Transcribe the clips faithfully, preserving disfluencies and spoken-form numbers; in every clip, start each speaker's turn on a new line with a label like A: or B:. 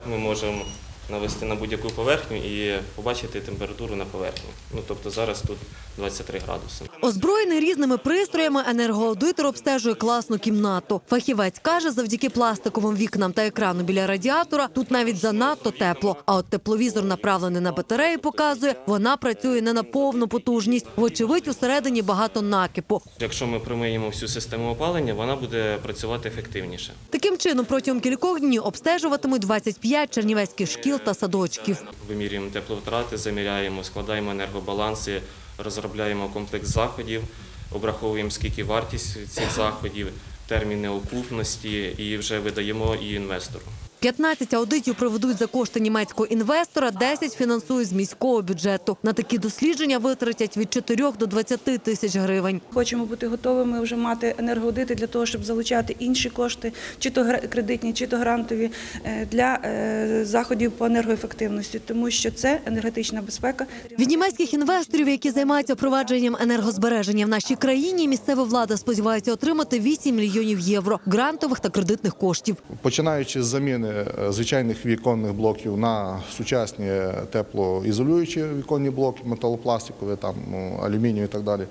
A: Ми можемо навести на будь-яку поверхню і побачити температуру на поверхні. Ну, тобто зараз тут двадцять три градуси.
B: Озброєний різними пристроями, енергоаудитор обстежує класну кімнату. Фахівець каже, завдяки пластиковим вікнам та екрану біля радіатора тут навіть занадто тепло. А от тепловізор, направлений на батареї, показує, вона працює не на повну потужність. Вочевидь, усередині багато накипу.
A: Якщо ми промиємо всю систему опалення, вона буде працювати ефективніше.
B: Таким чином, протягом кількох днів обстежуватимуть двадцять п'ять чернівецьких шкіл та садочків.
A: Вимірюємо тепловтрати, заміряємо, складаємо енергобаланси, розробляємо комплекс заходів, обраховуємо, скільки вартість цих заходів, терміни окупності і вже видаємо і інвестору.
B: п'ятнадцять аудитів проведуть за кошти німецького інвестора, десять фінансують з міського бюджету. На такі дослідження витратять від чотирьох до двадцяти тисяч гривень.
C: Хочемо бути готовими вже мати енергоаудити для того, щоб залучати інші кошти, чи то кредитні, чи то грантові, для заходів по енергоефективності, тому що це енергетична безпека.
B: Від німецьких інвесторів, які займаються впровадженням енергозбереження в нашій країні, місцева влада сподівається отримати вісім мільйонів євро грантових та кредитних коштів.
D: Починаючи з заміни звичайних віконних блоків на сучасні теплоізолюючі віконні блоки, металопластикові, там, алюмінієві і так далі.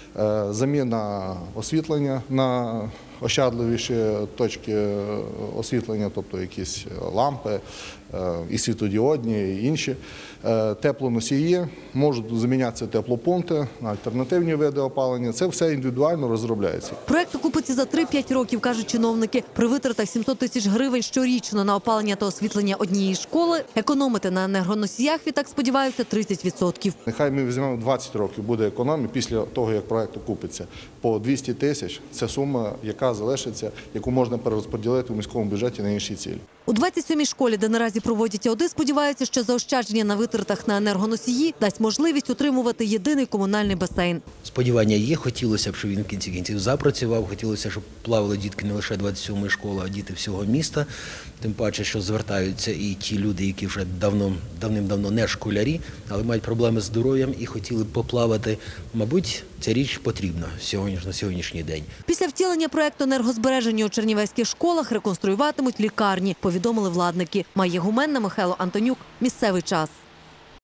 D: Заміна освітлення на ощадливіші точки освітлення, тобто якісь лампи, і світлодіодні, і інші. Теплоносії, можуть замінятися теплопункти на альтернативні види опалення. Це все індивідуально розробляється.
B: Проект окупиться за три-п'ять років, кажуть чиновники. При витратах сімсот тисяч гривень щорічно на опалення та освітлення однієї школи, економити на енергоносіях, відтак сподіваються, тридцять відсотків.
D: Нехай ми візьмемо двадцять років, буде економія після того, як проект окупиться. По двісті тисяч – це сума, яка залишиться, яку можна перерозподілити у міському бюджеті на інші цілі.
B: У двадцять сьомій школі, де наразі проводять аудит, сподіваються, що заощадження на витратах на енергоносії дасть можливість утримувати єдиний комунальний басейн.
E: Сподівання є, хотілося б, щоб він в кінці кінців запрацював, хотілося, щоб плавали дітки не лише двадцять сьомої школи, а діти всього міста. Тим паче, що звертаються і ті люди, які вже давно, давним-давно не школярі, але мають проблеми з здоров'ям і хотіли б поплавати. Мабуть, ця річ потрібна на сьогоднішній день.
B: Після втілення проекту енергозбереження у чернівецьких школах реконструюватимуть лікарні, повідомили владники. Майя Гуменна, Михайло Антонюк. Місцевий час.